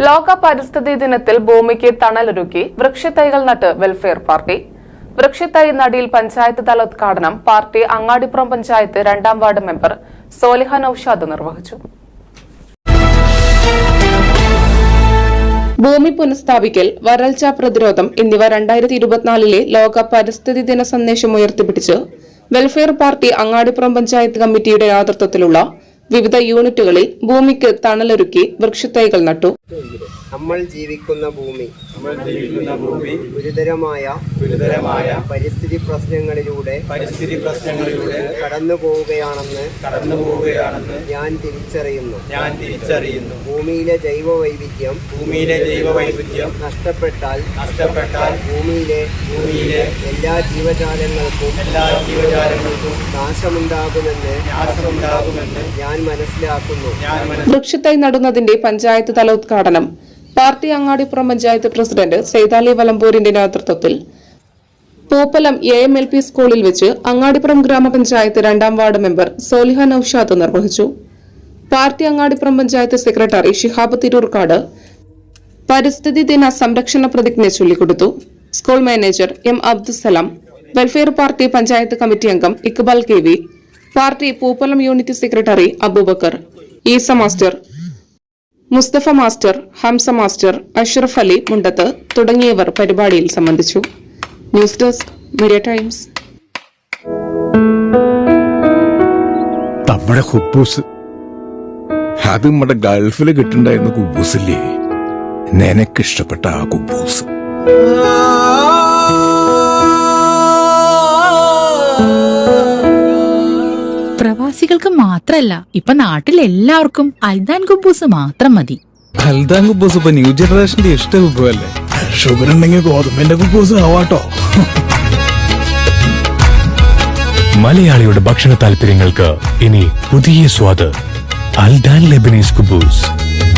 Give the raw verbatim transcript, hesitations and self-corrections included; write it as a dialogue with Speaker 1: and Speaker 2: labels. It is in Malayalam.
Speaker 1: ലോക പരിസ്ഥിതി ദിനത്തിൽ ഭൂമിക്ക് തണലൊരുക്കി വൃക്ഷത്തൈകൾ നട്ട് വെൽഫെയർ പാർട്ടി. വൃക്ഷത്തൈ നടിയിൽ പഞ്ചായത്ത് തല ഉദ്ഘാടനം പാർട്ടി അങ്ങാടിപ്പുറം പഞ്ചായത്ത് രണ്ടാം വാർഡ് മെമ്പർ സോലിഹ നൌഷാദ് നിർവഹിച്ചു. ഭൂമി പുനഃസ്ഥാപിക്കൽ, വരൾച്ച പ്രതിരോധം എന്നിവ രണ്ടായിരത്തി ഇരുപത്തിനാലിലെ ലോക പരിസ്ഥിതി ദിന സന്ദേശം ഉയർത്തിപ്പിടിച്ച് വെൽഫെയർ പാർട്ടി അങ്ങാടിപ്പുറം പഞ്ചായത്ത് കമ്മിറ്റിയുടെ നേതൃത്വത്തിലുള്ള വിവിധ യൂണിറ്റുകളിൽ ഭൂമിക്ക് തണലൊരുക്കി വൃക്ഷത്തൈകൾ നട്ടു.
Speaker 2: നമ്മൾ ജീവിക്കുന്ന ഭൂമി ഗുരുതരമായ ഗുരുതരമായ പരിസ്ഥിതി പ്രശ്നങ്ങളിലൂടെ പരിസ്ഥിതി പ്രശ്നങ്ങളിലൂടെ കടന്നു പോവുകയാണെന്ന് കടന്നു പോവുകയാണെന്ന് ഞാൻ തിരിച്ചറിയുന്നു ഞാൻ തിരിച്ചറിയുന്നു ഭൂമിയിലെ ജൈവ വൈവിധ്യം ഭൂമിയിലെ ജൈവ വൈവിധ്യം നഷ്ടപ്പെട്ടാൽ നഷ്ടപ്പെട്ടാൽ ഭൂമിയിലെ ഭൂമിയിലെ എല്ലാ ജീവജാലങ്ങൾക്കും എല്ലാ ജീവജാലങ്ങൾക്കും നാശമുണ്ടാകുമെന്ന് നാശമുണ്ടാകുമെന്ന് ഞാൻ മനസ്സിലാക്കുന്നു.
Speaker 1: വൃക്ഷത്തൈ നടുന്നതിന്റെ പഞ്ചായത്ത് തല ഉദ്ഘാടനം പാർട്ടി അങ്ങാടിപ്പുറം പഞ്ചായത്ത് പ്രസിഡന്റ് സൈതാലി വലമ്പൂരിന്റെ നേതൃത്വത്തിൽ Pooppalam A M L P സ്കൂളിൽ വെച്ച് അങ്ങാടിപ്പുറം ഗ്രാമപഞ്ചായത്ത് രണ്ടാം വാർഡ് മെമ്പർ സോലിഹ നൌഷാദ് നിർവഹിച്ചു. പാർട്ടി അങ്ങാടിപ്പുറം പഞ്ചായത്ത് സെക്രട്ടറി ഷിഹാബ് തിരൂർക്കാട് പരിസ്ഥിതി ദിന സംരക്ഷണ പ്രതിജ്ഞ ചൊല്ലിക്കൊടുത്തു. School manager M Abdussalam, welfare party panchayat committee അംഗം Iqbal K V, party Pooppalam unit secretary Abubacker, Esa master, Musthafa master, Hamsa master, Ashraf Ali Mundath തുടങ്ങിയവർ പരിപാടിയിൽ സംബന്ധിച്ചു. News desk media times.
Speaker 3: നമ്മുടെ കുബൂസ് അത് നമ്മുടെ ഗൾഫിൽ കിട്ടുണ്ടായിരുന്ന കുബൂസില്ലേ, നിനക്കിഷ്ടപ്പെട്ട ആ കുബൂസ്.
Speaker 4: പ്രവാസികൾക്ക് മാത്രല്ല, ഇപ്പൊ നാട്ടിൽ എല്ലാവർക്കും അൽദാൻ കുബൂസ് മാത്രം മതി.
Speaker 5: അൽദാൻ കുബൂസ് ഇപ്പൊ ന്യൂ ജനറേഷന്റെ ഇഷ്ട വിഭവല്ലേ.
Speaker 3: ഷുഗർ ഉണ്ടെങ്കിൽ ഗോതമ്പിന്റെ കുബൂസ് ആവാട്ടോ.
Speaker 6: മലയാളിയുടെ ഭക്ഷണ താല്പര്യങ്ങൾക്ക് ഇനി പുതിയ സ്വാദ്. അൽദാൻ ലെബനീസ് കുബൂസ്.